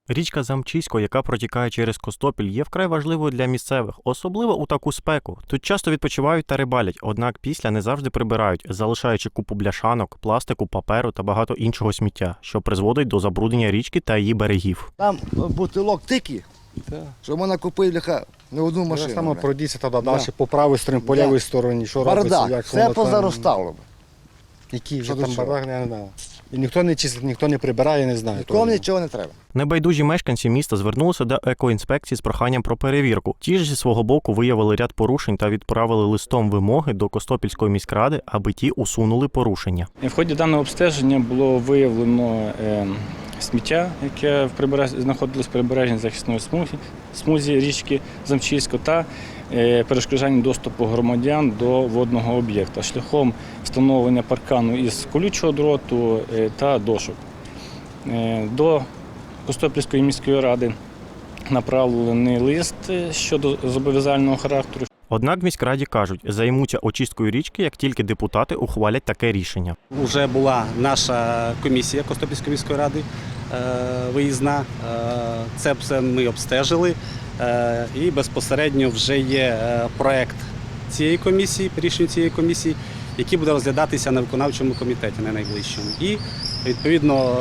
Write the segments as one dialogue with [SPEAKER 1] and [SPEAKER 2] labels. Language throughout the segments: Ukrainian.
[SPEAKER 1] Річка Замчисько, яка протікає через Костопіль, є вкрай важливою для місцевих, особливо у таку спеку. Тут часто відпочивають та рибалять, однак після не завжди прибирають, залишаючи купу бляшанок, пластику, паперу та багато іншого сміття, що призводить до забруднення річки та її берегів.
[SPEAKER 2] Там бутилок тільки, що можна купити бляха не одну машину.
[SPEAKER 3] Саме пройдіться тоді далі, по правій стороні, по лівій стороні, що робиться,
[SPEAKER 2] бардак,
[SPEAKER 3] як
[SPEAKER 2] все
[SPEAKER 3] воно там,
[SPEAKER 2] позаростало.
[SPEAKER 3] який вже
[SPEAKER 2] Що
[SPEAKER 3] там
[SPEAKER 2] до чого?
[SPEAKER 3] бардак, я не знаю. І ніхто не чистить, ніхто не прибирає, не знає.
[SPEAKER 2] Нікому нічого не треба.
[SPEAKER 1] Небайдужі мешканці міста звернулися до екоінспекції з проханням про перевірку. Ті ж зі свого боку виявили ряд порушень та відправили листом вимоги до Костопільської міськради, аби ті усунули порушення.
[SPEAKER 4] В ході даного обстеження було виявлено сміття, яке знаходилось в прибережній захисної смузі річки Замчисько та перешкоджання доступу громадян до водного об'єкта шляхом встановлення паркану із колючого дроту та дошок. До Костопільської міської ради направлений лист щодо зобов'язального характеру.
[SPEAKER 1] Однак в міськраді кажуть, займуться очисткою річки, як тільки депутати ухвалять таке рішення.
[SPEAKER 5] Уже була наша комісія Костопільської міської ради виїзна. Це все ми обстежили і безпосередньо вже є проект цієї комісії, рішення цієї комісії, який буде розглядатися на виконавчому комітеті на найближчому. І відповідно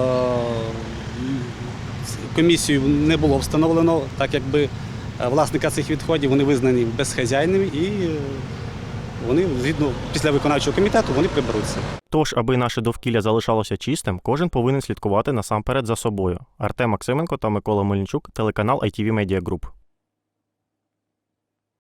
[SPEAKER 5] комісію не було встановлено, так якби власника цих відходів вони визнані безхазяйними і вони, згідно після виконавчого комітету, вони приберуться.
[SPEAKER 1] Тож, аби наше довкілля залишалося чистим, кожен повинен слідкувати насамперед за собою. Артем Максименко та Микола Мельничук, телеканал ITV Media Group.